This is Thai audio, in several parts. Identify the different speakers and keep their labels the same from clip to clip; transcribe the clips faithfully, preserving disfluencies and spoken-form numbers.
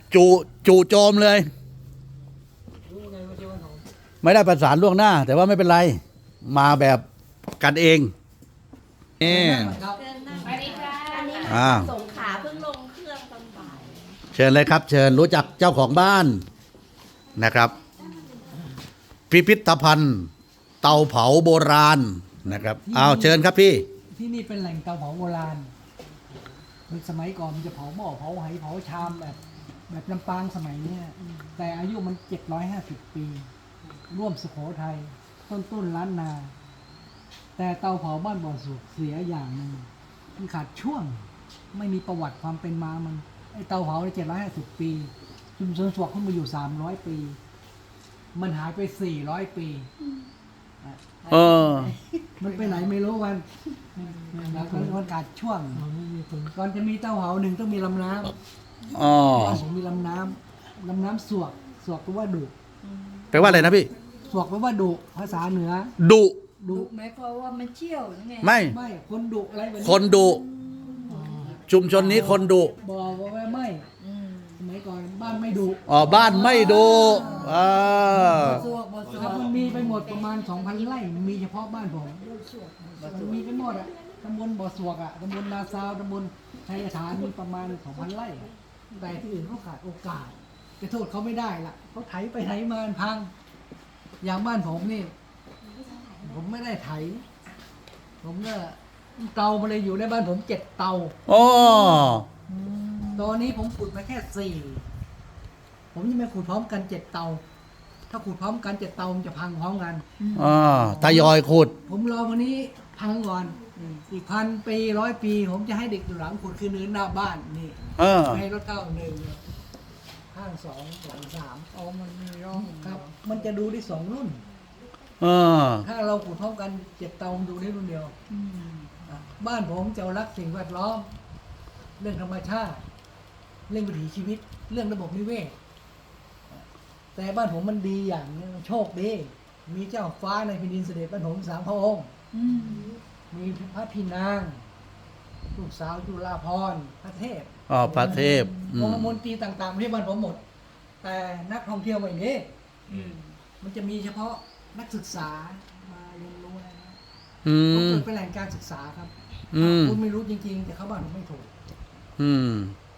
Speaker 1: จูจูโจมเลย
Speaker 2: รู้ไงว่าเจ้าวันของ
Speaker 1: ไม่ได้ประสานล่วงหน้า แต่ว่าไม่เป็นไร มาแบบกันเองนี่
Speaker 2: ครับ
Speaker 3: เชิญนั่งสวัสดีค่ะอันนี้
Speaker 1: อ่า
Speaker 3: สงขลาเพิ่งลงเครื่องตอนบ่าย
Speaker 1: เชิญเลยครับ เชิญรู้จักเจ้าของบ้านนะครับ พิพิธภัณฑ์ เตาเผาโบราณนะครับเอาเชิญครับพี่
Speaker 2: ที่นี่เป็นแหล่งเตาเผาโบราณมันสมัยก่อนมันจะเผาหม้อเผาไหเผาชามแบบ แบบลำปางสมัยเนี้ยแต่อายุมันเจ็ดร้อยห้าสิบปี ร่วมสุโขทัยต้นต้นล้านนา แต่เตาเผาบ้านบ่อสุกเสียอย่างหนึ่งมันขาดช่วง ไม่มีประวัติความเป็นมามันไอเตาเผาในเจ็ดร้อยห้าสิบปีชุมชนสวกขึ้นมาอยู่สามร้อยปี มันหายไปสี่ร้อยปี
Speaker 1: เออ
Speaker 2: มันไปไหนไม่รู้วันแล้วก็มันขาดช่วงก่อนจะมีเต้าเหาหนึ่งต้องมีลำน้
Speaker 1: อ๋อ
Speaker 2: ำบ้านผมมีลำน้ำลำน้ำสวกสวกแปลว่าดุ
Speaker 1: แปลว่าอะไรนะพี่
Speaker 2: สวกแปลว่าดุภาษาเหนือ
Speaker 1: ดุ
Speaker 2: ดุ
Speaker 3: หมายความว่ามันเชี่ยวหรือไง
Speaker 1: ไม่
Speaker 2: ไม่คนดุอะไรแบบ
Speaker 1: คนดุ ชุมชนนี้คนดุ
Speaker 2: บอกว่าไม่
Speaker 3: อืม
Speaker 2: สมัยก่อนบ้านไม่ดุ
Speaker 1: อ๋อบ้านไม่ดุอ่า
Speaker 3: สวกบสว
Speaker 2: ครับ
Speaker 3: ก
Speaker 2: มันมีไปหมดประมาณสองพันไร่มันมีเฉพาะบ้านผมมันมีไปหมดอะตำบลบ่อสวกอะตำบลนาซาวตำบลชัยฐานมีประมาณสองพันไร่อะแต่ที่อื่นเขาขาดโอกาสจะโทษเขาไม่ได้ละเขาไถไปไถมามันพัง อย่างบ้านผมนี่ ผมไม่ได้ไถ ผมก็เตามาเลยอยู่ในบ้านผมเจ็ดเตา
Speaker 1: อ๋อ
Speaker 2: ตอนนี้ผมขุดมาแค่สี่ผมยังไม่ขุดพร้อมกันเจ็ดเตา ถ้าขุดพร้อมกันเจ็ดเตามันจะพังพร้อมกัน
Speaker 1: อ่าทยอยขุด
Speaker 2: ผมรอวันนี้พังก่อนอีกพันปีร้อยปี ผมจะให้เด็กอยู่หลังขุดคือเนินหน้าบ้านนี่
Speaker 1: เออ
Speaker 2: ให้รถเก้าหนึ่งข้างสองหลังสาม
Speaker 3: อ๋อมันมีร่อง
Speaker 2: ครับ มันจะดูได้สองรุ่น
Speaker 1: เออ
Speaker 2: ถ้าเราขุดพร้อมกันเจ็ดเตาดูได้รุ่นเดียว
Speaker 3: อืม
Speaker 2: อ่ะบ้านผมจะรักสิ่งแวดล้อม เรื่องธรรมชาติ เรื่องวิถีชีวิต เรื่องระบบนิเวศ แต่บ้านผมมันดีอย่างนึงโชคดี มีเจ้าฟ้าในแผ่นดินเสด็จบ้านผมสามพระองค์
Speaker 3: อืม
Speaker 2: มีพระพี่นาง ลูกสาวจุฬาภรณ์พระเทพ
Speaker 1: อ๋อพระเทพอื
Speaker 2: อง
Speaker 1: ม
Speaker 2: ค์มนตรีต่างๆที่บ้านผมหมด แต่นักท่องเที่ยวไม่มี
Speaker 3: อืม
Speaker 2: มันจะมีเฉพาะนักศึกษามาเรียนรู้นะ
Speaker 1: อื
Speaker 2: ผม
Speaker 1: ม
Speaker 2: เกิดเป็นแหล่งการศึกษาครับ
Speaker 1: อืม
Speaker 2: คุณไม่รู้จริงๆ แต่เขาบ้านผมไม่ถูก
Speaker 1: อืม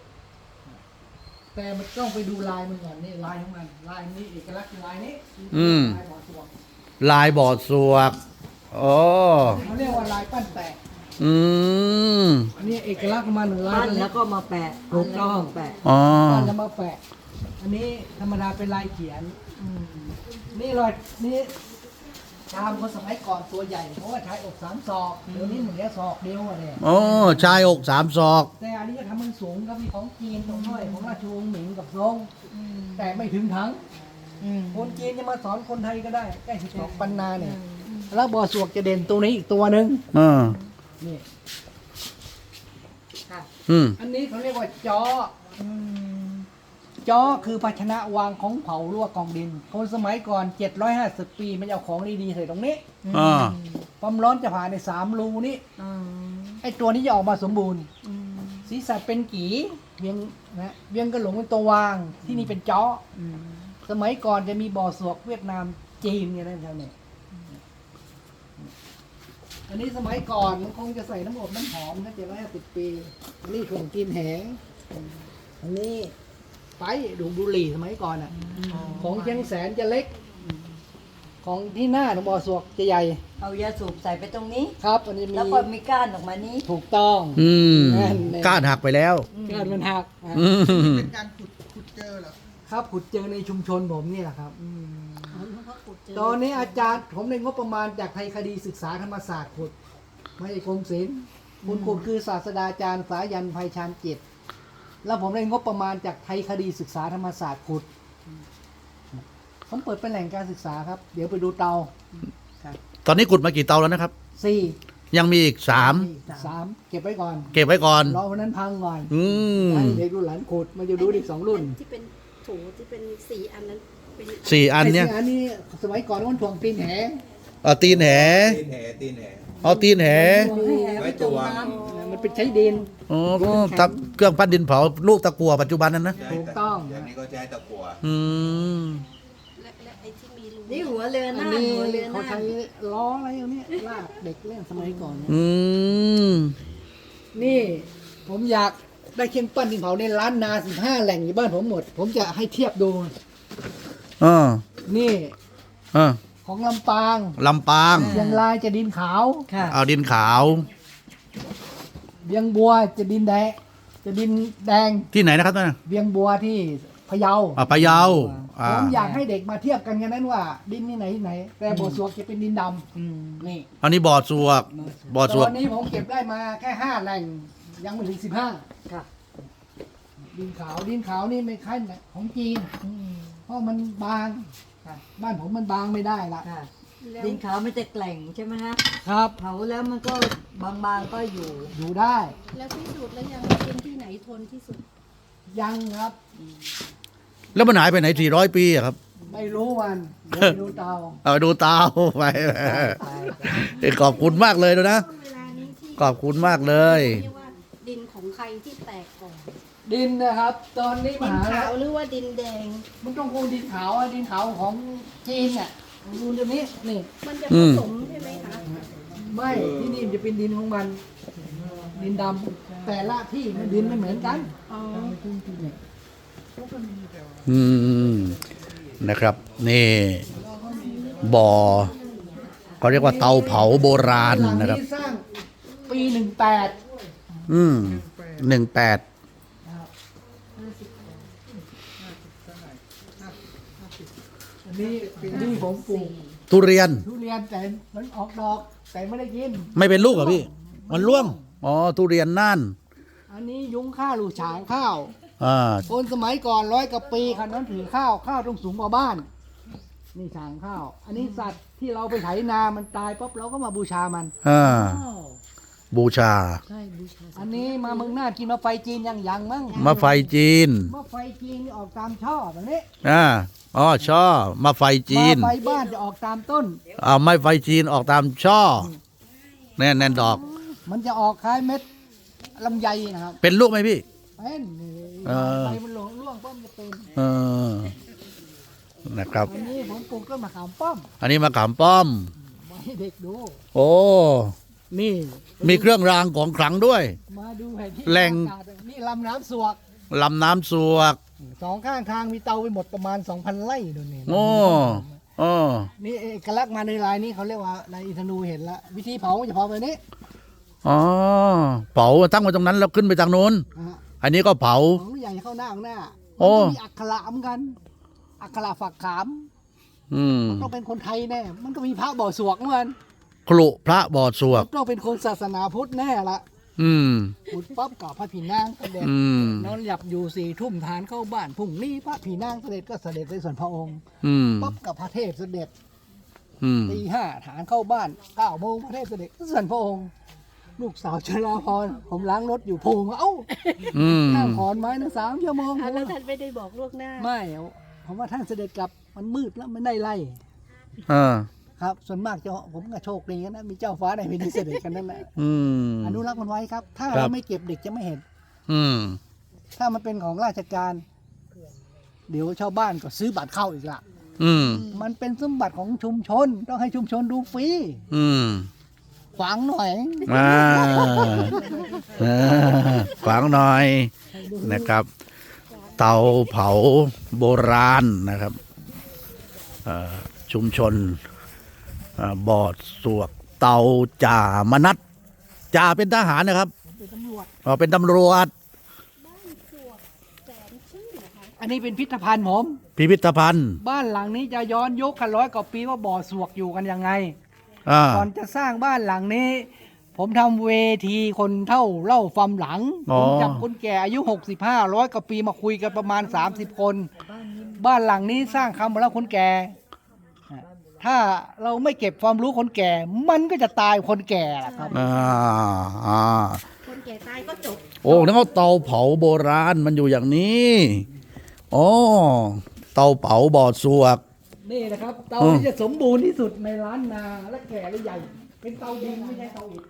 Speaker 2: แต่มันต้องไปดูลายมันก่อนนี่ลายของมันลายนี้เอกลักษณ์คือลายนี้
Speaker 1: อืม
Speaker 2: ลายบ่อสวก
Speaker 1: ลายบอดสวกโอ้
Speaker 2: เขาเรียกว่าลายปั้นแปะ
Speaker 1: อืม
Speaker 2: อันนี้เอกลักษณ์ของมันหนึ่งลาย
Speaker 4: ปั้นแล้วก็มาแปะถูกต้องแปะ
Speaker 1: อ๋อ
Speaker 2: ปั้นแล้วมาแปะ อันนี้ธรรมดาเป็นลายเขียนนี่รอยนี่ชามคนสมัยก่อนตัวใหญ่ เพราะว่าใช้อกสามศอกเดี๋ยวนี้เหลือศอกเดียวอะเนี่ย
Speaker 1: โอ้ชายอกสามศอก
Speaker 2: แต่อันนี้จะทำมันสูงครับมีของจีนตรงน้อยของราชวงศ์หมิงกับซงแต่ไม่ถึงทั้ง
Speaker 3: อืม
Speaker 2: คนจีนจะมาสอนคนไทยก็ได้ใกล้สิบสองปันนาเนี่ยแล้วบ่อสวกจะเด่นตัวนี้อีกตัวหนึ่ง
Speaker 1: อ่า
Speaker 2: นี่
Speaker 3: ค่ะ
Speaker 1: อืม
Speaker 2: อันนี้เขาเรียกว่าจอ
Speaker 3: อืม
Speaker 2: จอคือภาชนะวางของเผาลวกกองดิน คนสมัยก่อนเจ็ดร้อยห้าสิบปีมันจะเอาของดีๆใส่ตรงนี้
Speaker 1: อ่า
Speaker 2: ความร้อนจะผ่านในสามรูนี้
Speaker 3: อืม
Speaker 2: ไอ้ตัวนี้จะออกมาสมบูรณ์
Speaker 3: อืม
Speaker 2: ศีรษะเป็นกีเวียงนะเวียงกระหลงเป็นตัววางที่นี่เป็นจอ
Speaker 3: อืม
Speaker 2: สมัยก่อนจะมีบ่อสวกเวียดนามจีนเนี่ยนะแถวเนี่ยอันนี้สมัยก่อนมันคงจะใส่น้ำอบน้ำหอมนะเจ็ดร้อยห้าสิบปีอันนี้ถุงกินแหงอันนี้ไปดูบุหรี่สมัยก่อนอ่ะ ของเชียงแสนจะเล็ก ของที่หน้าของบ่อสวกจะใหญ่
Speaker 4: เอายาสูบใส่ไปตรงนี้
Speaker 2: ครับอันนี้มี
Speaker 4: แล้วก็มีก้านออกมานี้
Speaker 2: ถูกต้อง
Speaker 1: อืม
Speaker 2: นั่นแหละ
Speaker 1: ก้านหักไปแล้ว
Speaker 2: เกิดมันหักอ่ะ
Speaker 1: อืม
Speaker 2: ครับขุดเจอในชุมชนผมนี่แหละครับตอนนี้อาจารย์ผมในงบประมาณจากไทยคดีศึกษาธรรมศาสตร์ขุดไม่ใช่กรมศิลป์คุณขุดคือศาสตราจารย์สายันไพชาญจิต แล้วผมได้งบประมาณจากไทยคดีศึกษาธรรมศาสตร์ขุด ผมเปิดเป็นแหล่งการศึกษาครับ เดี๋ยวไปดูเตา
Speaker 1: ตอนนี้ขุดมากี่เตาแล้วนะครับ
Speaker 2: สี่
Speaker 1: ยังมีอีกสาม
Speaker 2: สามเก็บไว้ก่อน
Speaker 1: เก็บไว้ก่อน
Speaker 2: รอวันนั้นพังก่อน
Speaker 1: อืม
Speaker 2: ให้เด็กรุ่นหลานขุดมาจะดูอีกสองรุ่น
Speaker 5: ที่เป็นถุงที่เป็นสีอันนั้นเป็น
Speaker 1: สี่อันเนี้ย
Speaker 2: ไสี่อันนี้สมัยก่อนมันถ่วงตีนแห
Speaker 1: เอาตีนแห
Speaker 6: ตีนแหตีนแห
Speaker 1: เอาตีนแห
Speaker 6: ไว้ตัว
Speaker 2: มมันเป็นใช้ดิน
Speaker 1: อ๋อตะเครื่องปั้นดินเผาลูกตะกั่วปัจจุบันนั้นนะ
Speaker 2: ถูกต้อง
Speaker 6: เดี๋ยวนี้ก็ใช้ตะกั่ว
Speaker 1: อืม
Speaker 5: และและไอ้ที่มีรู
Speaker 4: นี่หัวเรือห
Speaker 2: อัน
Speaker 4: น้า
Speaker 2: นี้
Speaker 4: หัวเรือห
Speaker 2: เขา
Speaker 4: น้า
Speaker 2: ใช้ล้ออะไรอย่างเนี้ยลากเด็กเล่นสมัยก่อนเนี่ย
Speaker 1: อืม
Speaker 2: นี่ ผมอยากได้เครื่องปั้นดินเผาในร้านนาสิบห้าแหล่งอยู่บ้านผมหมด ผมจะให้เทียบดู
Speaker 1: อ่า
Speaker 2: นี่
Speaker 1: อ่า
Speaker 2: ของลำปาง
Speaker 1: ลำปาง
Speaker 2: เชียงรายจะดินขาว
Speaker 4: ค่ะ
Speaker 1: เอาดินขาว
Speaker 2: เวียงบัวจะดินแดงจะดินแดง
Speaker 1: ที่ไหนนะครับท่าน
Speaker 2: เวียงบัวที่พะเยา
Speaker 1: อ่าพะเยาอ่า
Speaker 2: ผมอยากให้เด็กมาเทียบกันกันนั้นว่า ดินนี่ไหนที่ไหน แต่บ่อสวกจะเป็นดินดำนี่
Speaker 1: อันนี้บ่อสวกบ่อส
Speaker 2: ต
Speaker 1: วก
Speaker 2: อนนี้ผมเก็บได้มาแค่ห้าแหล่ง ยังไม่ถึงสิบห้า
Speaker 4: ค่ะ
Speaker 2: ดินขาวดินขาวนี่ไม่ค่ายของจีนเพราะมันบางบ้านผมมันบางไม่ได้ละ
Speaker 4: ค่ะ
Speaker 5: แล้ว
Speaker 4: ดินขาวมันจะแกล่งใช่ไหมฮะ
Speaker 2: ครับ
Speaker 4: เผาแล้วมันก็บางๆก็อยู่
Speaker 2: อยู่ได้
Speaker 5: แล้วที่สุดแล้วยังเป็นที่ไหนทนที่สุด
Speaker 2: ยังครับ
Speaker 1: แล้วมันหายไปไหนสี่ร้อยปีอะครับ
Speaker 2: ไม่รู้มันเดี๋ยวไปดูเตา
Speaker 1: เอาดูเตาไป ขอบคุณมากเลยนะ
Speaker 5: ช่วงเวลานี้ที่
Speaker 1: ขอบคุณมากเลย
Speaker 5: เรียกว่าดินของใครที่แตกก่อน
Speaker 2: ดินนะครับ ตอนนี้
Speaker 5: ดิ
Speaker 2: ม
Speaker 5: น
Speaker 2: หา
Speaker 5: ขาวหรือว่าดินแดง
Speaker 2: มันต้องคงดินขาวอะดินขาวของจีนเนี่ยดูตรงนี้นี่
Speaker 5: มันจะ
Speaker 1: อื
Speaker 5: ผม สมใช่ไหมคะ
Speaker 2: ไม่ที่นี่มันจะเป็นดินของมัน ดินดำแต่ละที่มันดินไม่เหมือนกัน
Speaker 5: อ๋อ
Speaker 2: เนี่ย
Speaker 1: อืมนะครับ นี่บ่อเขาเรียกว่าเตาเผาโบราณ
Speaker 2: หลัง
Speaker 1: นะครับ
Speaker 2: นี้สร้างปีหนึ่งแปด
Speaker 1: อืมหนึ่งแปด
Speaker 2: อันนี้อันนี้ผมปลูก
Speaker 1: ทุเรียน
Speaker 2: ทุเรียนแต่มันออกดอก แต่ไม่ได้กิน
Speaker 1: ไม่เป็นลูกเหรอพี่ มันร่วง อ๋อ ทุเรียนน่าน
Speaker 2: อันนี้ยุ้งข้าวลูกฉางข้าว
Speaker 1: อ่า
Speaker 2: คนสมัยก่อนร้อยกว่าปีคันนั้นถือข้าวข้าวต้องสูงกว่าบ้าน นี่ฉางข้าว อันนี้สัตว์ที่เราไปไถนามันตายปุ๊บเราก็มาบูชามัน
Speaker 1: อ่า บูชา
Speaker 2: อันนี้มาเมืองน่านกินมาไฟจีนยังยังมั้ง
Speaker 1: มาไฟจีน
Speaker 2: มาไฟจีนนี่ออกตามช่อแบบนี้
Speaker 1: อ่า อ๋อ ช่อ มาไฟจีน
Speaker 2: มาไฟบ้านจะออกตามต้น
Speaker 1: อ่าไม่ไฟจีนออกตามช่อ แน่นแน่นดอก
Speaker 2: มันจะออกคล้ายเม็ดลำไยนะครับ
Speaker 1: เป็นลูกไหมพี่
Speaker 2: เป็นนี่
Speaker 1: เออ
Speaker 2: ใบมันหลงร่วงป้อมจะเป็น
Speaker 1: เออ นะครับ
Speaker 2: อันนี้ผมปลูกต้นมะขามป้อม
Speaker 1: อันนี้มะขามป้อม
Speaker 2: มาให้เด็กดู
Speaker 1: โอ้
Speaker 2: นี่
Speaker 1: มีเครื่องรางของขลังด้วย
Speaker 2: มาดูแผนที่
Speaker 1: แหล่ง
Speaker 2: อากาศนี่ลำน้ำสวก
Speaker 1: ลำน้ำสวก
Speaker 2: สองข้างทางมีเตาไปหมดประมาณ สองพัน ไร่ดูนี่
Speaker 1: โอ้โอ้
Speaker 2: นี่เอกลักษณ์มาในลายนี้เขาเรียกว่าลายอินทนูเห็นละวิธีเผาจะเผาแบบนี้
Speaker 1: อ๋อ เผาตั้งไว้ตรงนั้นแล้วขึ้นไปทางโน้น
Speaker 2: นะฮะ
Speaker 1: อันนี้ก็เผา
Speaker 2: ของใหญ่เข้าหน้าข้างหน้า
Speaker 1: โอ้
Speaker 2: มันจะมีอักขระเหมือนกัน อักขระฝักขาม
Speaker 1: อืม
Speaker 2: ต้องเป็นคนไทยแน่ มันก็มีพระบ่อสวกเหมือนกัน
Speaker 1: ครุพระบ่อสวก
Speaker 2: ต้องเป็นคนศาสนาพุทธแน่ละ
Speaker 1: อืม
Speaker 2: พุทธปั๊บกับพระผีนางเสด็จ
Speaker 1: อืม
Speaker 2: นอนหลับอยู่สี่ทุ่มทานเข้าบ้านพรุ่งนี้พระผีนางเสด็จก็เสด็จไปส่วนพระองค์
Speaker 1: อืม
Speaker 2: ปั๊บกับพระเทพเสด็จ
Speaker 1: อืม
Speaker 2: ตีห้าฐานเข้าบ้านเก้าโมงพระเทพเสด็จก็ส่วนพระองค์ ลูกสาวชลาพรผมล้างรถอยู่โพงเอ้า
Speaker 1: อืม
Speaker 2: นั่งขอนไม้นะสามชั่วโมง
Speaker 5: อ่ะแล้วท่านไม่ได้บอกล่วงหน้า
Speaker 2: ไม่ผมว่าท่านเสด็จกลับมันมืดแล้วมันได้ไล่
Speaker 1: อ่า
Speaker 2: ครับ ส่วนมากเจ้าผมก็โชคดีนะมีเจ้าฟ้าในพิธีเสด็จกันนั่นแหละ
Speaker 1: อืม
Speaker 2: อนุรักษ์มันไว้ครับ ถ้า
Speaker 1: ครั
Speaker 2: เรา
Speaker 1: บ
Speaker 2: ไม่เก็บเด็กจะไม่เห็น
Speaker 1: อืม
Speaker 2: ถ้ามันเป็นของราชการ เดี๋ยวชาวบ้านก็ซื้อบัตรเข้าอีกละ
Speaker 1: อืม
Speaker 2: มันเป็นสมบัติของชุมชน ต้องให้ชุมชนดูฟรี
Speaker 1: อืม
Speaker 2: ฝังหน่อย
Speaker 1: มาเออขวางหน่อยนะครับ เตาเผาโบราณนะครับเอ่อชุมชนเอ่อบอดสวกเตาจ่ามนัดจ่าเป็นทหารนะครับ
Speaker 2: เป็นตำรวจ
Speaker 1: อ๋อเป็นตำรวจ
Speaker 2: อันนี้เป็นพิพิธภัณฑ์ผม
Speaker 1: พิพิธภัณฑ์
Speaker 2: บ้านหลังนี้จะย้อนยุคกันร้อยกว่าปีว่าบ่อสวกอยู่กันยังไง
Speaker 1: อ่า
Speaker 2: ก่อนจะสร้างบ้านหลังนี้ ผมทำเวทีคนเท่าเล่าความหลัง
Speaker 1: อ๋
Speaker 2: ผ
Speaker 1: อ
Speaker 2: มจับคนแก่อายุหกสิบห้าร้อยกว่าปีมาคุยกันประมาณ สามสิบ คน บ้านหลังนี้สร้างคำมาแล้วคนแก่ถ้าเราไม่เก็บความรู้คนแก่ มันก็จะตายคนแก่แหละครับ
Speaker 1: อ่าอ่า
Speaker 5: คนแก่ตายก็จบ
Speaker 1: โอ้แล้วก็เตาเผาโบราณมันอยู่อย่างนี้อ๋อเตาเผาบ่อสวก
Speaker 2: นี่นะครับ เตา
Speaker 1: อืม
Speaker 2: ที่จะสมบูรณ์ที่สุดในร้านนาและแก่และใหญ่ เป็นเตาดินไม่ใช่เตาอิฐ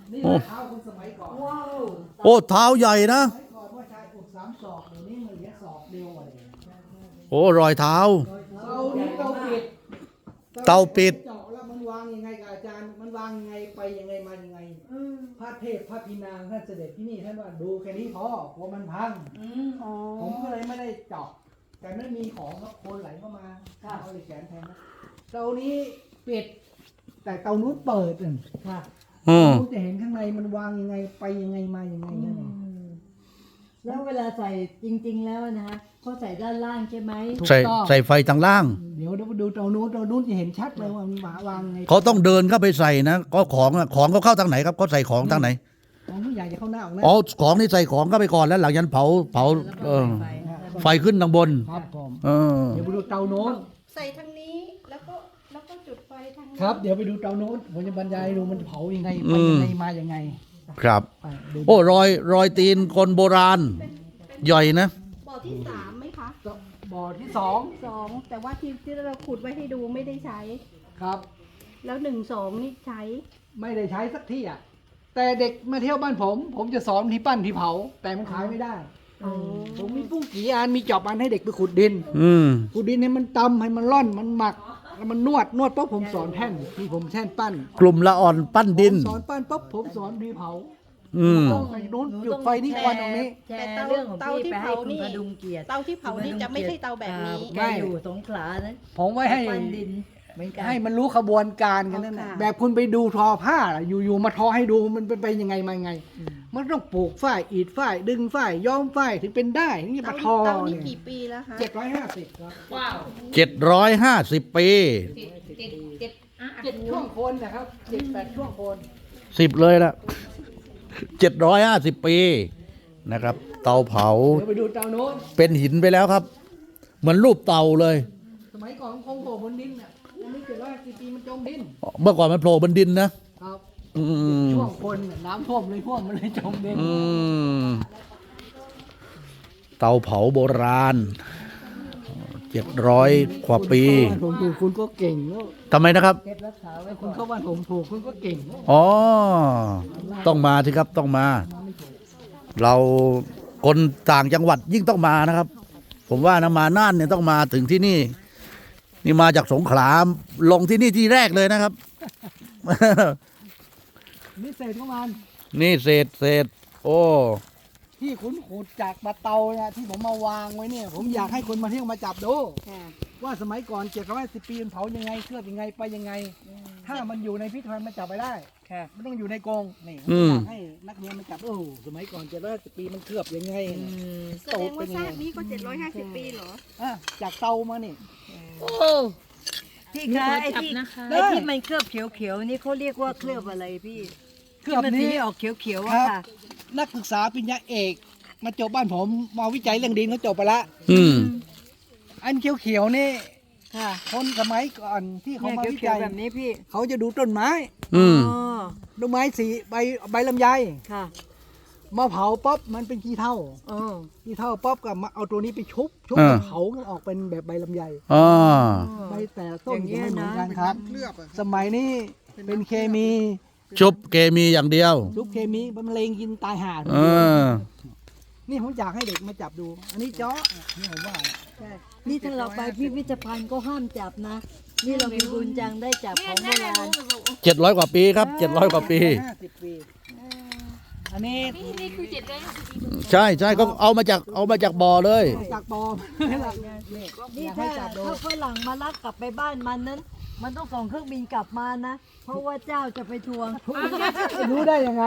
Speaker 2: นี่
Speaker 1: โอ้
Speaker 2: เท้าคนสมัยก่อน
Speaker 4: ว้าว
Speaker 1: โอ้เท้าใหญ่นะ
Speaker 2: สมัยก่อนว่าชายอกสามศอกเดี๋ยวนี้มันเหลือศอกเดียวอะไร
Speaker 1: โอ้รอยเท้า
Speaker 2: เตานี้เตาปิด
Speaker 1: เตาปิด
Speaker 2: เจาะแล้วมันวางยังไงกับอาจารย์ มันวางยังไงไปยังไงมายังไงพระเทพพระพินางท่านเสด็จที่นี่ท่านว่าดูแค่นี้พอกลัวมันพัง
Speaker 5: อ๋อ
Speaker 2: ผมก็เลยไม่ได้เจาะแต่ไม่มีของก็โคนไหลเข้ามาเอาเลยแขนแทนนะเตานี้ปิด แต่เตานู้นเปิดอ่ะ
Speaker 4: ค่ะ
Speaker 1: อืม
Speaker 2: คุณจะเห็นข้างในมันวางยังไงไปยังไงมายังไงนั่นเอง
Speaker 4: แล้วเวลาใส่จริง ๆ แล้วนะฮะเขาใส่ด้านล่างใช่ไหม
Speaker 2: ถูก
Speaker 1: ใส่
Speaker 2: ต้อง
Speaker 1: ใส่ไฟทางล่าง
Speaker 2: เดี๋ยวเดี๋ยวดูเตานู้นเตานู้นจะเห็นชัดเลยว่ามันวางยังไง
Speaker 1: เขาต้องเดินเข้าไปใส่นะก็ของอะของเขาเข้าทางไหนครับเขาใส่ของทางไหน
Speaker 2: ของผู้ใหญ่จะเข้าหน้าออกหน้า
Speaker 1: อ๋อของนี่ใส่ของเข้าไปก่อนแล้วหลังจากนั้นเผาเผาเออไฟขึ้นทางบน
Speaker 2: ครับผม
Speaker 1: เออ
Speaker 2: เดี๋ยวไปดูเตาโน้น
Speaker 5: ใส่ทางนี้แล้วก็แล้วก็จุดไฟทางนี้
Speaker 2: ครับ เดี๋ยวไปดูเตาโน้นผมจะบรรยายให้ดูมันเผายังไงไปยังไงมายังไง
Speaker 1: ครับ
Speaker 2: ไปดู
Speaker 1: โอ้รอยรอยตีนคนโบราณใหญ่นะ
Speaker 5: บ่อที่สามไหมคะ
Speaker 2: บ่อที่สอง
Speaker 5: สองแต่ว่าที่ที่เราขุดไว้ให้ดูไม่ได้ใช้
Speaker 2: ครับ
Speaker 5: แล้วหนึ่งสองนี่ใช้
Speaker 2: ไม่ได้ใช้สักที่อ่ะแต่เด็กมาเที่ยวบ้านผม ผมจะสอนที่ปั้นที่เผา แต่มันขายไม่ได้
Speaker 5: อ๋อ
Speaker 2: ผมมีปุ้งกี่อันมีจอบอันให้เด็กไปขุดดิน
Speaker 1: อืม
Speaker 2: ขุดดินให้มันตำให้มันร่อนมันหมักแล้วมันนวดนวดปุ๊บผมสอนแท่นที่ผมแท่นปั้น
Speaker 1: กลุ่มละอ่อนปั้นดิน
Speaker 2: สอนปั้นปุ๊บผมสอนดีเผา
Speaker 1: อืม
Speaker 2: ต้องไปนู้นจุดไฟนี่ควันตรงนี้
Speaker 4: แชร์เรื่องของพี่ไปให้คุณพดุงเกียรติ
Speaker 5: เตาที่เผานี่จะไม่ใช่เตาแบบนี้
Speaker 4: แกอยู่สงขลานะ
Speaker 2: ผมไว้ให้
Speaker 4: ปั้นดินเหมือนกัน
Speaker 2: ให้มันรู้ขบวนการกันนั่นแหละ
Speaker 5: ค่ะ
Speaker 2: แบบคุณไปดูทอผ้าล่ะอยู่ๆมาทอให้ดูมันเป็นไปยังไงมายังไง มันต้องปลูกฝ้ายอีดฝ้ายดึงฝ้ายย้อมฝ้ายถึงเป็นได้ถึงจะ
Speaker 5: เตา
Speaker 2: มาทอ
Speaker 5: เตานี่
Speaker 2: เนี่ย
Speaker 5: กี่ปีแล้วคะ
Speaker 2: เจ็ดร้อยห้าสิบครับ
Speaker 1: เจ็ดร้อยห้าสิบปี
Speaker 2: เจ็ดช่วงโคนนะครับเจ็ดแปดช่วงโคน
Speaker 1: สิบเลยละเจ็ดร้อยห้าสิบปีนะครับ เตาเผา
Speaker 2: เดี๋ยวไปดูเตาโน้น
Speaker 1: เป็นหินไปแล้วครับ เหมือนรูปเตาเลย
Speaker 2: สมัยก่อนคงโผล่บนดินอ่ะอันนี้เจ็ดร้อยห้าสิบปีมันจมดิน
Speaker 1: เมื่อก่อนมันโผล่บนดินนะ
Speaker 2: ครับ
Speaker 1: อืม
Speaker 2: ช่วงโคนน่ะน้ำท่วมเลยท่วมมันเลยจมดิน
Speaker 1: อืมเตาเผาโบราณเจ็ดร้อยกว่าปี
Speaker 2: ผมถูกคุณก็เก่งแล้ว
Speaker 1: ทำไมนะครับ
Speaker 4: เก็บรักษาไว้
Speaker 2: คุ
Speaker 4: ก่
Speaker 2: ณ
Speaker 4: อน
Speaker 2: เข้าบ้านผมถูกคุณก็เก่งแล้ว
Speaker 1: อ๋อ ต้องมาสิครับต้องมา เราคนต่างจังหวัดยิ่งต้องมานะครับ ผมว่านะมาน่านเนี่ยต้องมาถึงที่นี่ นี่มาจากสงขลาลงที่นี่ที่แรกเลยนะครับ
Speaker 2: นี่เศษของมัน
Speaker 1: นี่เศษเศษโอ้
Speaker 2: ที่คุณขุดจากปะเตาเนี่ยที่ผมมาวางไว้เนี่ย ผมอยากให้คนมาเที่ยวมาจับดู
Speaker 5: ค่ะ
Speaker 2: ว่าสมัยก่อนเจ็ดร้อยสิบปีมันเผายังไงเคลือบยังไงไปยังไง ถ้ามันอยู่ในพิพิธภัณฑ์มันจับไปได้
Speaker 4: ค่ะ
Speaker 2: มันต้องอยู่ในกรงนี่ผม
Speaker 1: อืม
Speaker 2: อยากให้นักเรียนมาจับโอ้โหสมัยก่อนเจ็ดร้อยสิบปีมันเคลือบยังไง
Speaker 5: แสดงว่าซากนี้ก็เจ็ดร้อยห้าสิบปีเหรอ
Speaker 2: อ่ะจากเตามานี่
Speaker 4: โอ้พี่คะไอ้ที่ไอ้ที่มันเคลือบเขียวๆนี่เขาเรียกว่าเคลือบอะไรพี่
Speaker 2: เคลือบ
Speaker 4: ที่มันสี
Speaker 2: นี้
Speaker 4: ออกเขียวๆ
Speaker 2: ค
Speaker 4: อะ
Speaker 2: รับ
Speaker 4: ค่ะ
Speaker 2: นักศึกษาปริญญาเอก มาจบบ้านผมมาวิจัยเรื่องดินเขาจบไปละ
Speaker 1: อืม
Speaker 2: อันเขียวๆนี่
Speaker 4: ค่ะ
Speaker 2: คนสมัยก่อนที่เขา
Speaker 4: เนี่ย
Speaker 2: มาวิ
Speaker 4: เขียว
Speaker 2: จัย
Speaker 4: ๆแบบนี้พี่
Speaker 2: เขาจะดูต้นไม้
Speaker 1: อืม
Speaker 4: อ๋อ
Speaker 2: ต้นไม้สีใบใบลำไย
Speaker 4: ค่ะ
Speaker 2: มาเผาป๊อบมันเป็นขี้เถ้า
Speaker 4: อ๋อ
Speaker 2: ขี้เถ้าป๊อบกับมาเอาตัวนี้ไปชุบ ชุบ
Speaker 1: อ่า
Speaker 2: แล้วเผามันออกเป็นแบบใบลำไย
Speaker 1: อ่า
Speaker 2: ใบแต่ต้น
Speaker 4: อย่างเงี้
Speaker 2: จะ
Speaker 4: ย
Speaker 2: ไม่เหมือน
Speaker 4: นะ
Speaker 2: กันครับ สมัยนี้เป็นเคมี
Speaker 1: ชุบเกมีอย่างเดียว
Speaker 2: ชุบเคมีมันมะเร็งกินตายห่า
Speaker 1: เออ
Speaker 2: นี่ผมอยากให้เด็กมาจับดู อันนี้เจาะนี่ผมว่า
Speaker 4: ใช่นี่ถ้าเราไปพิพิธภัณฑ์ก็ห้ามจับนะ นี่เรามีบุญจังได้จับของโบราณ
Speaker 1: เจ็ดร้อยกว่าปีครับเจ็ดร้อยกว่าปี
Speaker 2: ห้าสิบปี อันนี้
Speaker 1: ใช่ใช่ก็เอามาจากเอามาจากบ่อเลย
Speaker 2: จากบอม
Speaker 4: นี่
Speaker 2: อยากให้
Speaker 4: ถ้า
Speaker 2: จับดู
Speaker 4: ถ้าฝรั่งมาลักกลับไปบ้านมันนั้น มันต้องส่งเครื่องบินกลับมานะ เพราะว่าเจ้าจะไปทวง
Speaker 2: รู้ได้ยังไง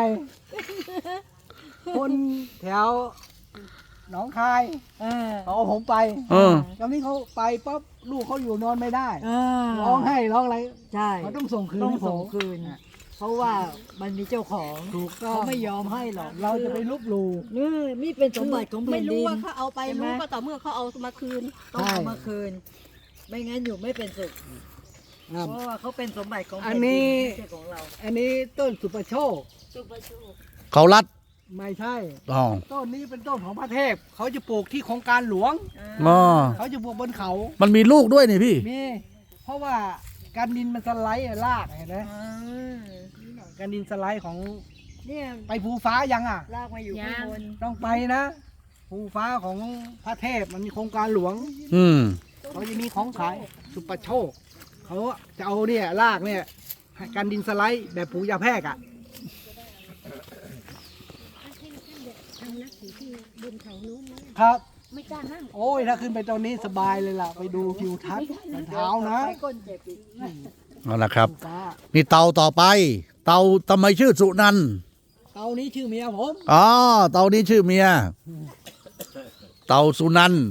Speaker 2: คนแถวหนองคาย
Speaker 4: เออ
Speaker 2: เขาเอาผมไป
Speaker 1: เออ
Speaker 2: ตอนนี้เขาไปปั๊บลูกเขาอยู่นอนไม่ได้
Speaker 4: เออ
Speaker 2: ร้องไห้ร้องอะไร
Speaker 4: ใช่
Speaker 2: เขาต้องส่งคืน
Speaker 4: ต้อง
Speaker 2: ให้ผ
Speaker 4: ส่ง
Speaker 2: ม
Speaker 4: คืน เพราะว่ามันมีเจ้าของ
Speaker 2: ถูกต้อง
Speaker 4: เขาไม่ยอมให้หรอก
Speaker 2: เราจะไปลบหลู่
Speaker 4: นี่นี่เป็นสมบัติของแผ่
Speaker 5: ไม่
Speaker 4: น
Speaker 5: รู้
Speaker 4: ดิน
Speaker 5: ว่าเขาเอาไป
Speaker 4: ใช่ไหม
Speaker 5: รู้ก็ต่อเมื่อเขาเอามาคืน
Speaker 4: ต้องเอามาคืน ไม่งั้นอยู่ไม่เป็นสุข
Speaker 2: ครับ
Speaker 4: เพราะว่าเขาเป็นสมบัติของ
Speaker 2: อั
Speaker 4: แผ่
Speaker 2: น
Speaker 4: น
Speaker 2: นี้
Speaker 4: ดินไม่ใช่ของเรา
Speaker 2: อันนี้ต้นสุปโชค
Speaker 1: เขารัด
Speaker 2: ไม่ใช่
Speaker 1: อ๋อ
Speaker 2: ต้นนี้เป็นต้นของพระเทพ เขาจะปลูกที่โครงการหลวง
Speaker 1: อ๋อ
Speaker 2: เขาจะปลูกบนเขา
Speaker 1: มันมีลูกด้วยนี่พี่
Speaker 2: มี เพราะว่าการดินมันสไลด์อะรากเห็นไหมการดินสไลด์ของ
Speaker 4: เนี่ย
Speaker 2: ไปภูฟ้ายังอ่ะ
Speaker 4: ลากมาอยู่ข้างบน
Speaker 2: ต้องไปนะภูฟ้าของพระเทพมันมีโครงการหลวง
Speaker 1: อืม
Speaker 2: เขาจะมีของขายสุปโชคเขาจะเอาเนี่ยลากเนี่ยให้กันดินสไลด์แบบปูยาแพรกอ่ะ
Speaker 5: ทำนักขี่ที่บนเขานู้นไหม
Speaker 2: ครับ
Speaker 5: ไม่กล้านั่ง
Speaker 2: โอ้ยถ้าขึ้นไปตอนนี้สบายเลยล่ะ ไปดูทิวทัศน์ตอนเช้านะ
Speaker 4: ไปก้นเจ็บอีก
Speaker 1: เอาละครับ
Speaker 2: ภูฟ้า
Speaker 1: นี่เตาต่อไป เตาทำไมชื่อสุนันท์
Speaker 2: เตานี้ชื่อเมียผม
Speaker 1: อ๋อ เตานี้ชื่อเมีย เตาสุนันท์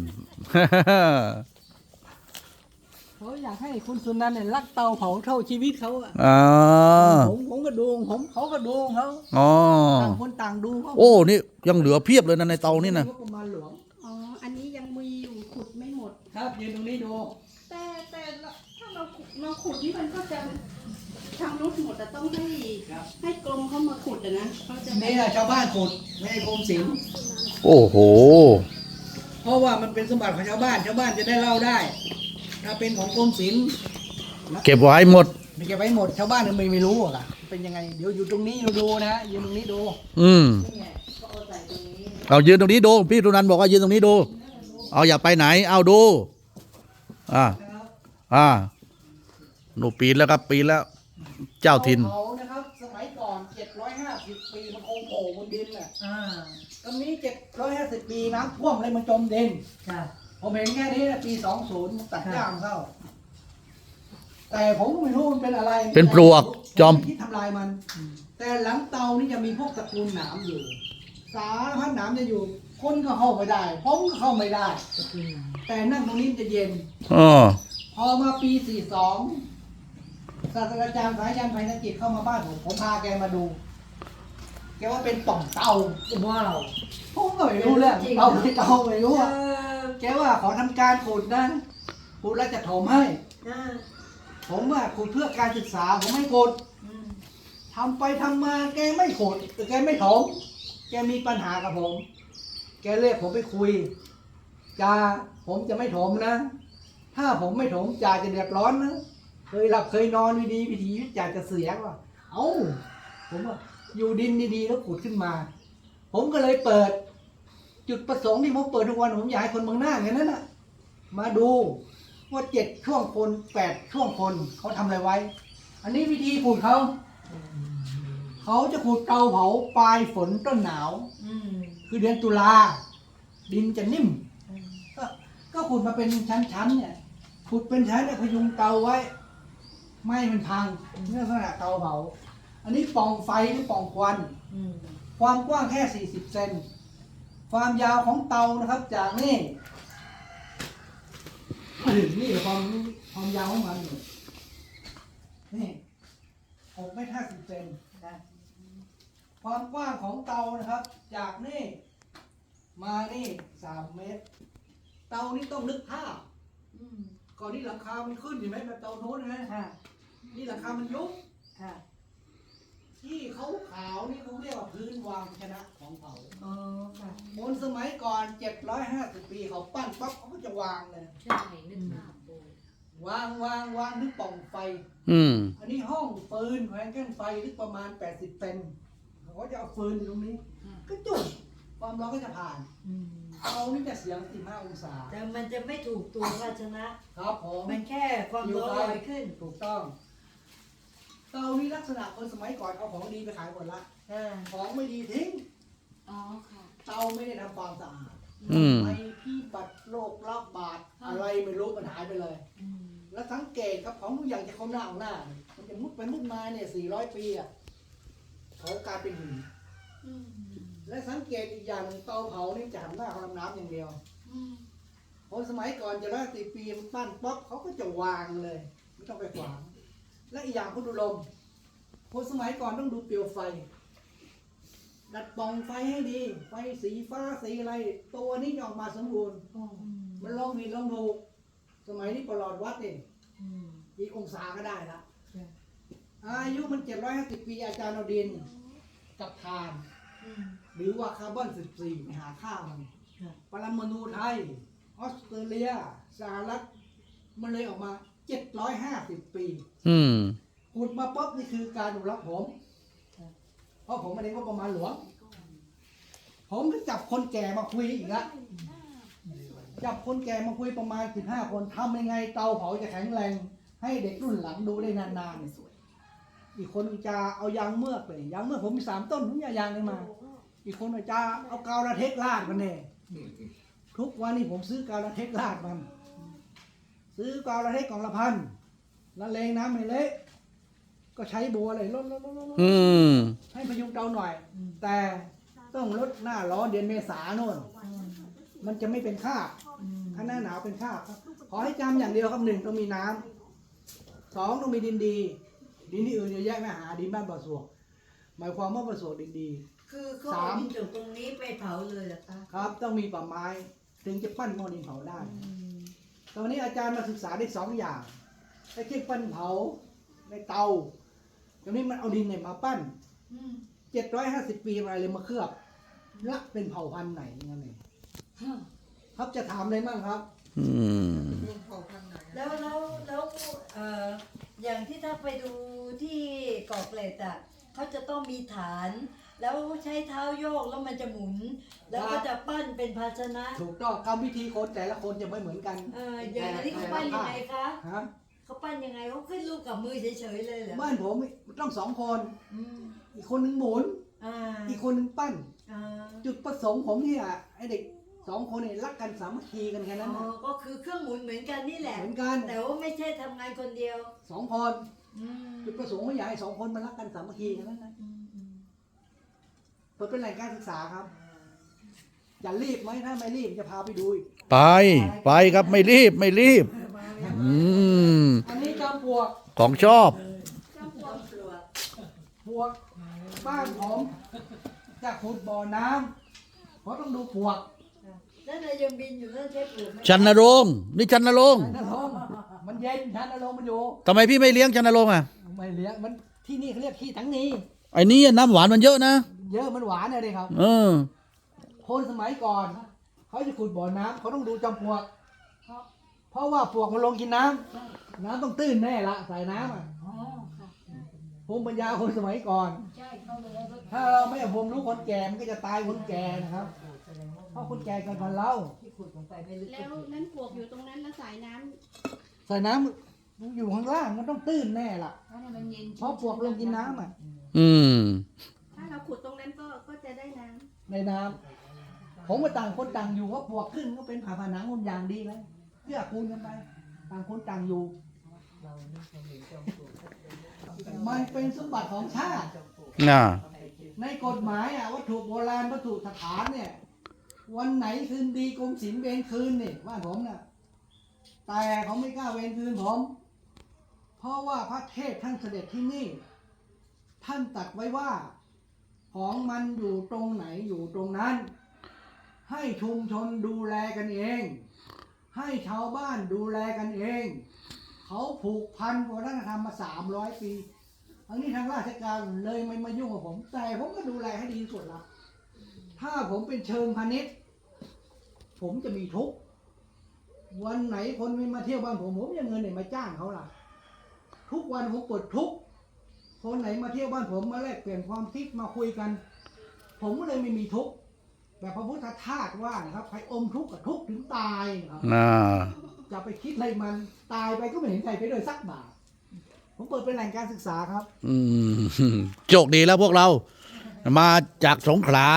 Speaker 2: เขาอยากให้คุณสุนันท์เนี่ยรักเตาเผาเท่าชีวิตเขาอะ
Speaker 1: อ๋อ
Speaker 2: ผมผมก็ดูของผมเขาก็ดูของเขา
Speaker 1: อ๋อ
Speaker 2: ต่างคนต่างดูเขา
Speaker 1: โอ้ นี่ยังเหลือเพียบเลยนะในเตานี่นะ
Speaker 2: งบประมาณหลวง
Speaker 5: อ๋อ อันนี้ยังมีอยู่ขุดไม่หมด
Speaker 2: ครับยืนตรงนี้ดู
Speaker 5: แต่แต่ละถ้าเราขุดเราขุดนี่มันก็จะทำรุดหมดแต่ต้องให้ให้กรมเขามาขุดอะนะเขาจะ
Speaker 2: นี่นะชาวบ้านขุดไม่ให้กรมศิลป์
Speaker 1: โอ้โห
Speaker 2: เพราะว่ามันเป็นสมบัติของชาวบ้านชาวบ้านจะได้เล่าได้ ถ้าเป็นของกรมศิลป์
Speaker 1: เก็บไว้หมด
Speaker 2: ไม่เก็บไว้หมดชาวบ้านไม่ไม่รู้อะเป็นยังไงเดี๋ยวอยู่ตรงนี้ดูดูนะฮะยืนตรงนี้ดู
Speaker 1: อืม
Speaker 4: นี่ไงก็เอาใส่ตรงนี้
Speaker 1: เอายืนตรงนี้ดู พี่สุนันท์บอกว่ายืนตรงนี้ดู เอาอย่าไปไหน เอาดู อ่า อ่าหนูปีนแล้วครับ ปีนแล้ว เจ้าถิ่น
Speaker 2: เขานะครับสมัยก่อนเจ็ดร้อยห้าสิบปีมันคงโผล่บนดินแหละ
Speaker 4: อ่า
Speaker 2: ตอนนี้เจ็ดร้อยห้าสิบปีน้ำท่วมเลยมันจมดิน
Speaker 4: ค่ะ
Speaker 2: ผมเห็นแค่นี้นะปีสองศูนย์ตัดย่ามเข้า แต่ผมก็ไม่รู้มันเป็นอะไร
Speaker 1: เป็นปลวกจอม
Speaker 2: ผไคิดทำลายมัน แต่หลังเตานี่จะมีพวกตระกูลหนามอยู่ สารพัดหนามจะอยู่ คนก็เข้าไม่ได้ ผมก็เข้าไม่ได้ แต่นั่งตรงนี้มันจะเย็น
Speaker 1: อ๋อ
Speaker 2: พอมาปีสี่สองศาสตราจารย์สายันไพนจิตเข้ามาบ้านผม ผมพาแกมาดู แกว่าเป็นป่องเตา
Speaker 4: ว้าว
Speaker 2: ผมก็ไม่รู้เรื่องเตาไม่เตาไม่รู้อะ
Speaker 4: เออ
Speaker 2: แกว่าขอทำการขุดนะขุดแล้วจะถมให้
Speaker 4: อ่า
Speaker 2: ผมว่าขุดเพื่อการศึกษาผมไม่ขุด
Speaker 4: อืม
Speaker 2: ทำไปทำมาแกไม่ขุดแต่แกไม่ถม แกมีปัญหากับผม แกเรียกผมไปคุยจ่าผมจะไม่ถมนะ ถ้าผมไม่ถมจ่าจะเดือดร้อนนะ เคยหลับเคยนอนดีๆวิถีชีวิตจ่าจะเสียว่ะเอ้า ผมว่าอยู่ดินดีๆแล้วขุดขึ้นมา ผมก็เลยเปิด จุดประสงค์ที่ผมเปิดทุกวันผมอยากให้คนเมืองหน้าอย่างนั้นน่ะ มาดูว่าเจ็ดช่วงคนแปดช่วงคนเขาทำอะไรไว้ อันนี้วิธีขุดเขา เขาจะขุดเตาเผาปลายฝนต้นหนาว
Speaker 4: อืม
Speaker 2: คือเดือนตุลาดินจะนิ่ม ก็ก็ขุดมาเป็นชั้นๆเนี่ยขุดเป็นชั้นเนี่ยพยุงเตาไว้ ไม่ให้มันพังเนื่องจากเตาเผา อันนี้ปล่องไฟหรือปล่องควัน
Speaker 4: อืม
Speaker 2: ความกว้างแค่สี่สิบเซน ความยาวของเตานะครับ จากนี่มาถึงนี่ความความยาวของมันนี่นี่หกเมตรห้าสิบเซนนะความกว้างของเตานะครับ จากนี่ มานี่สามเมตร เตานี่ต้องนึกภาพ
Speaker 4: อืม
Speaker 2: ก่อนที่หลังคามันขึ้นเห็นไหมแบบเตาโน้นนะ
Speaker 4: ค่ะ
Speaker 2: นี่หลังคามันยุบ
Speaker 4: ค่ะ
Speaker 2: ที่เขาขาวๆนี่เขาเรียกว่าพื้นวางชนะของเผา
Speaker 4: อ๋อค่ะ
Speaker 2: คนสมัยก่อนเจ็ดร้อยห้าสิบปีเขาปั้นปั๊บเขาก็จะวางเลย
Speaker 3: ใช่นึกภาพโบ
Speaker 2: วางวางวางนึกปล่องไฟ
Speaker 1: อืม
Speaker 2: อันนี้ห้องฟืนแขวนแก้นไฟลึกประมาณแปดสิบเซนเขาก็จะเอาฟืนอยู่ตรงนี้ ก็จุดความร้อนก็จะผ่าน
Speaker 4: อืม
Speaker 2: เอานี่จะเสียงสิบห้าองศา
Speaker 4: แต่มันจะไม่ถูกตัวภาชนะ
Speaker 2: ครับผม
Speaker 4: มันแค่ความร้อนลอยขึ้น
Speaker 2: ถูกต้อง เตานี้ลักษณะคนสมัยก่อนเอาของดีไปขายหมดละ
Speaker 4: อ่า
Speaker 2: ของไม่ดีทิ้ง
Speaker 3: อ๋อค่ะ
Speaker 2: เตาไม่ได้ทำความสะอาด
Speaker 1: อืม
Speaker 2: ไอพี่บัตรโรคระบาดอะไรไม่รู้มันหายไปเลย
Speaker 4: อืม
Speaker 2: แล้วสังเกตครับของทุกอย่างจะเข้าหน้าเอาหน้า มันจะมุดไปมุดมาเนี่ยสี่ร้อยปีอ่ะเขากลายเป็นหิน
Speaker 3: อืม
Speaker 2: และสังเกตอีกอย่างหนึ่งเตาเผานี่จะหันหน้าเขาลำน้ำอย่างเดียว
Speaker 3: อืม
Speaker 2: คนสมัยก่อนจะร้อยสิบปีมันปั้นป๊อปเขาก็จะวางเลย ไม่ต้องไปขวาง และอีกอย่างคุณดูลมคนสมัยก่อนต้องดูเปลวไฟ ดัดปล่องไฟให้ดี ไฟสีฟ้าสีอะไร ตัวนี้จะออกมาสมบูรณ์
Speaker 4: อืม
Speaker 2: มันลองผิดลองถูก สมัยนี้ประหลอดวัดเอง
Speaker 4: อืม
Speaker 2: กี่องศาก็ได้ละ
Speaker 4: ใช่
Speaker 2: อายุมันเจ็ดร้อยห้าสิบปีอาจารย์เอาดิน กับทาน
Speaker 4: อืม
Speaker 2: หรือว่าคาร์บอนสิบสี่ไปหาค่ามัน
Speaker 4: ค่ะ
Speaker 2: ปรมาณูไทย ออสเตรเลีย สหรัฐ มันเลยออกมาเจ็ดร้อยห้าสิบปี
Speaker 1: อืม
Speaker 2: ขุดมาปุ๊บนี่คือการอนุรักษ์ผม พอราะผมไม่ได้งบประมาณหลวง ผมก็จับคนแก่มาคุยอีกละจับคนแก่มาคุยประมาณสิบห้าคนทำยังไงเตาเผาจะแข็งแรง ให้เด็กรุ่นหลังดูได้นานๆอีกคนจะเอายางเมือกไปยางเมือกผมมีสามต้นผมเอายางเลยมา อีกคนจะเอากาวระเทกลาดมันเนี่ยทุกวันนี้ผมซื้อกาวระเทกลาดมัน ซื้อกาวระเทกกล่องละพันละเลงน้ำไม่เละก็ใช้บัวเลยลดลดลดลด
Speaker 1: อืม
Speaker 2: ให้พยุงเตาหน่อย แต่ต้องลดหน้าร้อนเดือนเมษาโน่น มันจะไม่เป็นคราบถ้าหน้าหนาวเป็นคราบขอให้จำอย่างเดียวครับหนึ่งต้องมีน้ำสองต้องมีดินดี ดินที่อื่นเยอะแยะไม่หาดินบ้านบ่อสวกหมายความว่าบ่อสวกดินดี
Speaker 4: คือเขาเอาดินจากตรงนี้ไปเผาเลยเหรอคะ
Speaker 2: ครับต้องมีป่าไม้ ถึงจะปั้นหม้อดินเผาได้ ตอนนี้อาจารย์มาศึกษาได้สองอย่างไอ้ที่ปั้นเผาในเตาตอนนี้มันเอาดินเนี่ยมาปั้นเจ็ดร้อยห้าสิบปีอะไรเลยมาเคลือบละเป็นเผ่าพันธุ์ไหนนั่นเองครับจะถามอะไรบ้างครับ
Speaker 1: อืม
Speaker 4: แล้วแล้วแล้วเอ่ออย่างที่ถ้าไปดูที่เกาะเกร็ดอ่ะเขาจะต้องมีฐาน แล้วใช้เท้าโยกแล้วมันจะหมุน แล้วก็จะปั้นเป็นภาชนะ
Speaker 2: ถูกต้องกรรมวิธีคนแต่ละคนจะไม่เหมือนกัน
Speaker 4: เอออย่างนี้เขาปั้นยังไงคะ
Speaker 2: ฮะ
Speaker 4: เขาปั้นยังไงเขาขึ้นรูปกับมือเฉยๆเลยเหรอ
Speaker 2: บ้านผมต้องสองคน
Speaker 4: อืม
Speaker 2: อีกคนหนึ่งหมุน
Speaker 4: อ่า
Speaker 2: อีกคนหนึ่งปั้น
Speaker 4: อ่า
Speaker 2: จุดประสงค์ผมเนี่ยไอเด็กสองคนเนี่ยรักกันสามัคคีกันแค่นั้น
Speaker 4: อ๋อ
Speaker 2: นะ
Speaker 4: ก็คือเครื่องหมุนเหมือนกันนี่แหละ
Speaker 2: เหมือนกัน
Speaker 4: แต่ว่าไม่ใช่ทำงานคนเดียว
Speaker 2: สองคน
Speaker 4: อืม
Speaker 2: จุดประสงค์ผมอยากให้สองคนมันรักกันสามัคคีกันนั้นนะ
Speaker 4: อืมอืม
Speaker 2: เปิดเป็นแหล่งการศึกษาครับ อย่ารีบไหมถ้าไม่รีบจะพาไปดูอีก
Speaker 1: ไป ไปครับไม่รีบไม่รีบ อืม
Speaker 2: อันนี้จอมปลวก
Speaker 1: ของชอบ
Speaker 2: ปลวกบ้านผมจะขุดบ่อน้ำเพราะต้องดูปลวก
Speaker 4: นั่นนายยังบินอยู่นั่นใช่ปลูกไหม
Speaker 1: ชันนรงค์นี่ชันนรงค์
Speaker 2: นั่นลมมันเย็นชันอารมณ์มันอยู่
Speaker 1: ทำไมพี่ไม่เลี้ยงชันนรงค์อ่ะ
Speaker 2: ไม่เลี้ยงมันที่นี่เขาเรียกที่ทั้งนี้
Speaker 1: ไอ้นี่น้ำหวานมันเยอะนะ
Speaker 2: เยอะมันหวานเลยครับ
Speaker 1: เออ
Speaker 2: คนสมัยก่อนเขาจะขุดบ่อน้ำเขาต้องดูจอมปลวก เพราะว่าปลวกมันลงกินน้ำน้ำต้องตื้นแน่ละใส่น้ำอ่ะ
Speaker 3: อ๋อค่ะ
Speaker 2: ภูมิปัญญาคนสมัยก่อน
Speaker 3: ใช่เขาเลยแล้วก็
Speaker 2: ถ้าเราไม่เอาภูมิรู้คนแก่มันก็จะตายคนแก่นะครับ เพราะคนแก่เกันก่อนเรา
Speaker 5: แล้วนั้นปลวกอยู่ตรงนั้นแล้วสายน้ำ
Speaker 2: ใส่น้ำอยู่ข้างล่างมันต้องตื้นแน่ละ
Speaker 3: เพราะเนี่ยมันเย็น
Speaker 2: เพราะปลวกลงกินน้ำอ่ะ
Speaker 1: อืม
Speaker 5: ถ้าเราขุดตรงนั้นก็ก็จะได้น้ำ
Speaker 2: ในน้ำผมว่าต่างคนต่างอยู่ว่าปลวกขึ้นก็เป็นผ่าผนังคนอย่างดีเลยเพื่อคูณกันไปต่างคนต่างอยู่มันเป็นสมบัติของชาติ
Speaker 1: น่ะ
Speaker 2: ในกฎหมายอ่ะวัตถุโบราณวัตถุสถานเนี่ย วันไหนคืนดีกรมศิลป์เวรคืนนี่บ้านผมน่ะแต่เขาไม่กล้าเวรคืนผม เพราะว่าพระเทพท่านเสด็จที่นี่ ท่านตรัสไว้ว่า ของมันอยู่ตรงไหนอยู่ตรงนั้น ให้ชุมชนดูแลกันเอง ให้ชาวบ้านดูแลกันเอง เขาผูกพันวัฒนธรรมมาสามร้อยปี อันนี้ทางราชการเลยไม่มายุ่งกับผม แต่ผมก็ดูแลให้ดีที่สุดละถ้าผมเป็นเชิงพาณิชย์ผมจะมีทุกข์วันไหนคนไม่มาเที่ยวบ้านผมผมจะเงินไหนมาจ้างเขาล่ะ ทุกวันผมปวดทุกข์คนไหนมาเที่ยวบ้านผมมาแลกเปลี่ยนความคิดมาคุยกัน ผมก็เลยไม่มีทุกข์แบบพระพุทธทาสว่านะครับใครอมทุกข์กับทุกข์ถึงตายครับ
Speaker 1: น่ะ
Speaker 2: จะไปคิดอะไรมันตายไปก็ไม่เห็นใครไปเลยสักบาทผมเปิดเป็นแหล่งการศึกษาครับ
Speaker 1: อืมโชคดีแล้วพวกเรา มาจากสงขลา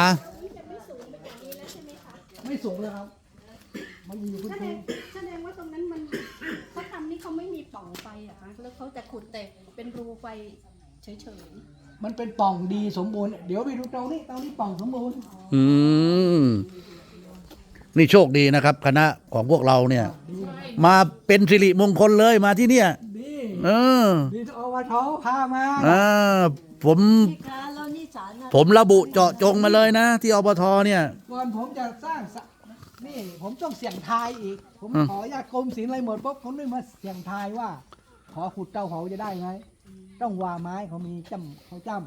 Speaker 2: ไม่สูงเลยครับมันอยู่พื้น
Speaker 5: แสด
Speaker 2: ที่
Speaker 5: งแสดงว่าตรงนั้นมันเขาทำนี่เขาไม่มีปล่องไฟอะคะแล้วเขาจะขุดแต่เป็นรูไฟเฉย
Speaker 2: มันเป็นปล่องดีสมบูรณ์เดี๋ยวไปดูเตานี้เตานี้ปล่องสมบูรณ์
Speaker 1: อืม นี่โชคดีนะครับ คณะของพวกเราเนี่ย มาเป็นสิริมงคลเลยมาที่เนี่ย
Speaker 2: ดี
Speaker 1: เออ
Speaker 2: ดีอวทพามา
Speaker 1: อ่าผม
Speaker 4: พี่คะแล้วนี่ศาลน่ะ
Speaker 1: ผมระบุเจาะจงมาเลยนะ ที่อบทเนี่ย
Speaker 2: ก่อนผมจะสร้างสระนี่ผมต้องเสี่ยงทายอีก ผม
Speaker 1: อืม
Speaker 2: ขออนุญาตกรมศิลป์อะไรหมดปุ๊บผมนึกมาเสี่ยงทายว่า ขอขุดเตาเผาจะได้ไหมต้องวาไม้เขามีจ้ำเขาจ้ำ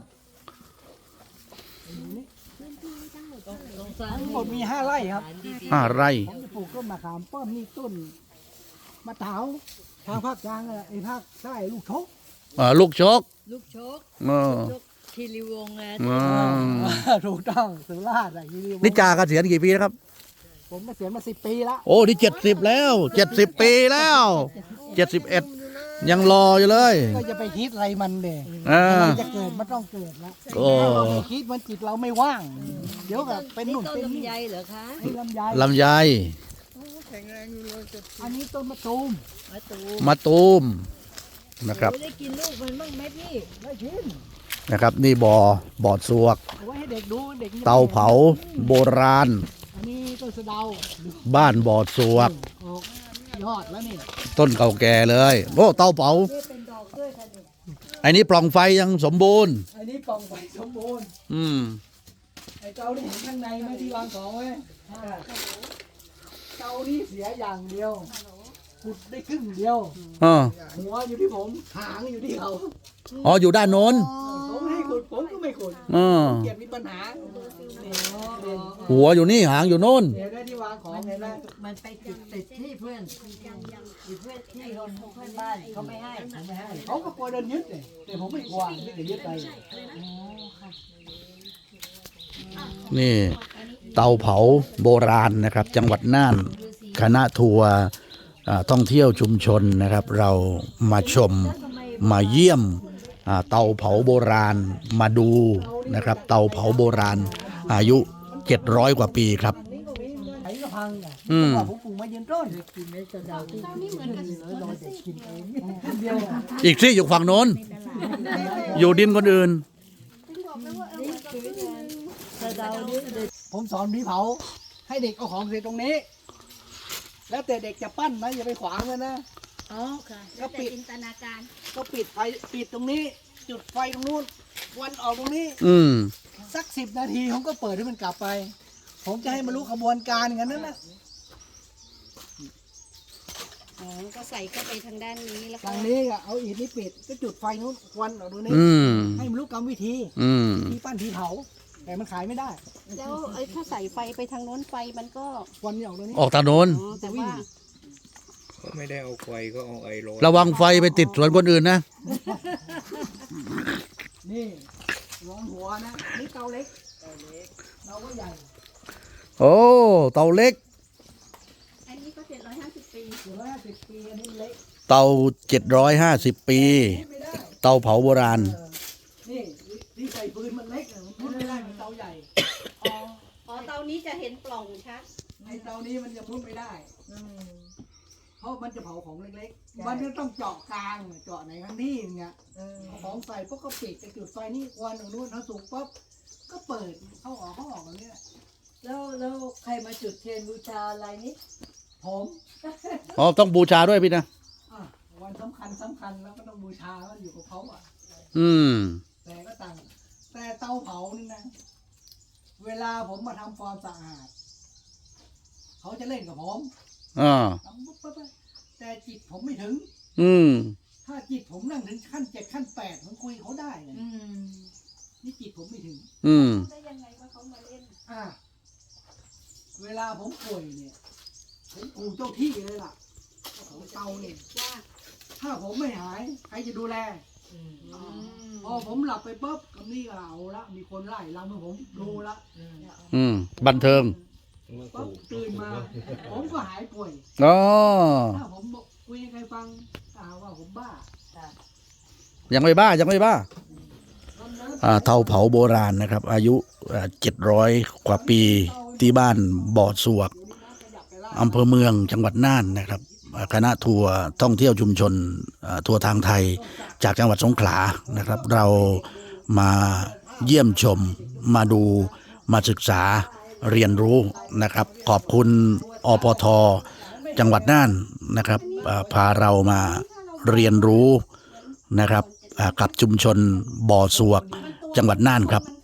Speaker 2: นี่
Speaker 4: ศาล
Speaker 2: ทั้งหมดมีห้าไร่ครับ
Speaker 1: ห้าไร่
Speaker 2: ผมจะปลูกต้นมะขามป้อมนี่ต้นมะเถาทางภาคกลางอะไอ้ภาคใต้ลูกชก
Speaker 1: อ่าลูกชก
Speaker 4: ลูกโชก
Speaker 1: เออ
Speaker 4: ลูกคีรีวงศ์นะ
Speaker 1: อ๋อ
Speaker 2: ถูกต้องสุราษฎร์อะคีรีวงศ์
Speaker 1: นี่จ่าเกษียณกี่ปีนะครับ
Speaker 2: ผมมาเสียมาสิบปีละ
Speaker 1: โอ้นี่เจ็ดสิบแล้วเจ็ดสิบปีแล้วเจ็ดสิบเอ็ดยังรออยู่เลย
Speaker 2: ก็จะไปคิดอะไรมันเด็ก
Speaker 1: อ่า
Speaker 2: จะเกิดมันต้องเกิดแล้ว
Speaker 1: โอ้
Speaker 2: ถ้าเราไม่คิดมันจิตเราไม่ว่าง เดี๋ยวกับเป็นหนุ่น
Speaker 4: ต้น
Speaker 2: เป็นนี่
Speaker 4: ลำไยเหรอคะ
Speaker 2: นี่ลำไย
Speaker 1: ลำไย
Speaker 2: อันนี้ต้นมะตูม
Speaker 4: มาตู
Speaker 1: มะตูมนะครับ
Speaker 4: ได้กินลูกมันบ้างไหมพี่
Speaker 2: ได้ชิม
Speaker 1: นะครับ นี่บ่อบ่อสวก
Speaker 2: เอาไว้ให้เด็กดูเด็กยังไม่
Speaker 1: เตาเผาโบราณ
Speaker 2: อันนี้ต้นสะเดา
Speaker 1: บ้านบ่อสวก
Speaker 2: ออกยอดแล้วนี่
Speaker 1: ต้นเก่าแก่เลยโอ้เตาเผา
Speaker 4: นี่เป็นดอกด้วยค่ะเด็ก
Speaker 1: ไอ้นี้ปล่องไฟยังสมบูรณ์
Speaker 2: อันนี้ปล่องไฟสมบูรณ์
Speaker 1: อืม
Speaker 2: ไอ้เตาที่เห็นข้างในไหม่ที่วางของไว้เตานี่เสียอย่างเดียวขุดได้ครึ่งเดียว
Speaker 1: อ๋อ
Speaker 2: หัวอยู่ที่ผม หางอยู่ที่เขา
Speaker 1: อ๋ออยู่ด้านโน้น
Speaker 2: ผมให้ขุดผมก็ไม่ขุด
Speaker 1: อ๋อ
Speaker 2: เกียรติมีปัญหาเนี่ยเด่น
Speaker 1: หัวอยู่นี่หางอยู่โน้น
Speaker 2: เดี๋ยวได้ที่วางของเห็นไหม
Speaker 4: มันไปติดติดที่เพื่อนติดเพื่อนที่คนเพื่อนบ้านเขาไม่ให้
Speaker 2: ผมไม่ให้เขาก็กลัวโดนยึดเลยแต่ผมไม่กลัวไม่ได้ยึดไป
Speaker 1: นี่เตาเผาโบราณนะครับ จังหวัดน่านคณะทัวร์อ่าท่องเที่ยวชุมชนนะครับ เรามาชมมาเยี่ยมอ่าเตาเผาโบราณมาดูนะครับ เตาเผาโบราณ อายุเจ็ดร้อยกว่าปีครับ
Speaker 2: ไอ้ก็พังอ่ะ
Speaker 1: อืม
Speaker 2: ว่าผมปลูกมายืนต้น
Speaker 4: กินในกระเดาที่
Speaker 5: ตอนนี้เหมือนกัน
Speaker 2: เลยลอยเด็กกินเองคนเดียวอะ
Speaker 1: อีกที่อยู่ฝั่งโน้น อยู่ดินคนอื่น
Speaker 4: กระเดานี่เด็ก
Speaker 2: ผมสอนผีเผา ให้เด็กเอาของเสร็จตรงนี้ แล้วแต่เด็กจะปั้นนะอย่าไปขวางมันนะ
Speaker 4: อ๋อค่ะ
Speaker 2: ก็ปิด
Speaker 5: จินตนาการ
Speaker 2: ก็ปิดไฟปิดตรงนี้ จุดไฟตรงนู้นควันออกตรงนี้
Speaker 1: อืม
Speaker 2: สักสิบนาทีผมก็เปิดให้มันกลับไป ผมจะให้มันรู้ขบวนการอย่างนั้นนะ
Speaker 5: อ๋อก็ใส่เข้าไปทางด้านนี้แล้วก็
Speaker 2: ทางนี้ก็เอาอิฐนี่ปิดก็จุดไฟนู้นควันออกตรงนี้
Speaker 1: อืม
Speaker 2: ให้มันรู้กรรมวิธี
Speaker 1: อืม
Speaker 2: ที่ปั้นที่เผา แต่มันขายไม่ได้
Speaker 5: แล้วไอ้ถ้าใส่ไฟไปทางโน้นไฟมันก็
Speaker 2: ควันนี่ออกตรงนี้
Speaker 1: ออกทางโน้น
Speaker 5: อ๋อแต่ว่า
Speaker 6: ก็ไม่ได้เอาไฟก็เอาไอร้อน
Speaker 1: ระวังไฟไปติดสวนคนอื่นนะ
Speaker 2: นี่ร้อนหัวนะนี่เตาเล็กเตาเล็กเราก็ใหญ่
Speaker 1: โอ้ เตาเล็ก
Speaker 5: อันนี้ก็เจ็ดร้อยห้าสิบปี
Speaker 2: ถึงร้อยห้าสิบปีอันนี้เล็ก
Speaker 1: เตาเจ็ดร้อยห้าสิบปี
Speaker 2: ไม่ได้
Speaker 1: เตาเผาโบราณ
Speaker 2: เออนี่ที่ใส่ปืนมันเล็กอะมันมุดไม่ได้เหมือนเตาใหญ่
Speaker 5: อ๋ออ๋อเตานี้จะเห็นปล่องชัด
Speaker 2: ไอ้เตานี้มันจะมุดไม่ได้เพราะมันจะเผาของเล็กๆ มันจะต้องเจาะกลางเจาะไหนข้างที่อย่างเงี้ยเอาของใส่พวกก็ปิดจะจุดไฟนี่ควันตรงนู้นเขาสุกปั๊บก็เปิดเข้าออกเข้าออกอย่างเงี้ย
Speaker 4: แล้วแล้วใครมาจุดเทียนบูชาอะไรนี่
Speaker 2: ผม
Speaker 1: อ๋อ ต้องบูชาด้วยพี่นะ
Speaker 2: อ่ะวันสำคัญสำคัญแล้วก็ต้องบูชาแล้วอยู่กับเขาอ่ะ
Speaker 1: อืม
Speaker 2: แต่ก็ต่างแต่เตาเผานี่นะ เวลาผมมาทำความสะอาด เขาจะเล่นกับผม
Speaker 1: อ่า
Speaker 2: ทำปุ๊บปุ๊บปุ๊บแต่จิตผมไม่ถึง
Speaker 1: อืม
Speaker 2: ถ้าจิตผมนั่งถึงขั้นเจ็ดขั้นแปดผมคุยเขาได้เลย
Speaker 4: อืม
Speaker 2: นี่จิตผมไม่ถึง
Speaker 1: อืม
Speaker 5: ได้ยังไงว่าเขามาเล่น
Speaker 2: อ่ะเวลาผมป่วยเนี่ย ผมกูเจ้าที่เลยล่ะเจ้าของเตาเนี่ย
Speaker 5: ว่า
Speaker 2: ถ้าผมไม่หาย ใครจะดูแล
Speaker 5: อ๋อ
Speaker 2: พอผมหลับไปปุ๊บคำนี้ก็เอาละมีคนไล่ลำให้ผมดูละ
Speaker 1: อืม บันเทิง
Speaker 2: ปุ๊บตื่นมา ผมก็หายป่วย
Speaker 1: อ๋อ
Speaker 2: ถ้าผมบอกคุยให้ใครฟังก็หาว่าผมบ้า
Speaker 1: ยังไม่บ้า ยังไม่บ้า อ่า เตาเผาโบราณนะครับ อายุเจ็ดร้อยกว่าปีที่บ้านบ่อสวกอำเภอเมืองจังหวัดน่านนะครับอ่าคณะทัวร์ท่องเที่ยวชุมชนอ่าทัวร์ทางไทยจากจังหวัดสงขลานะครับ เรามาเยี่ยมชมมาดูมาศึกษาเรียนรู้นะครับ ขอบคุณอปทจังหวัดน่านนะครับอ่าพาเรามาเรียนรู้นะครับอ่ากับชุมชนบ่อสวกจังหวัดน่านครับ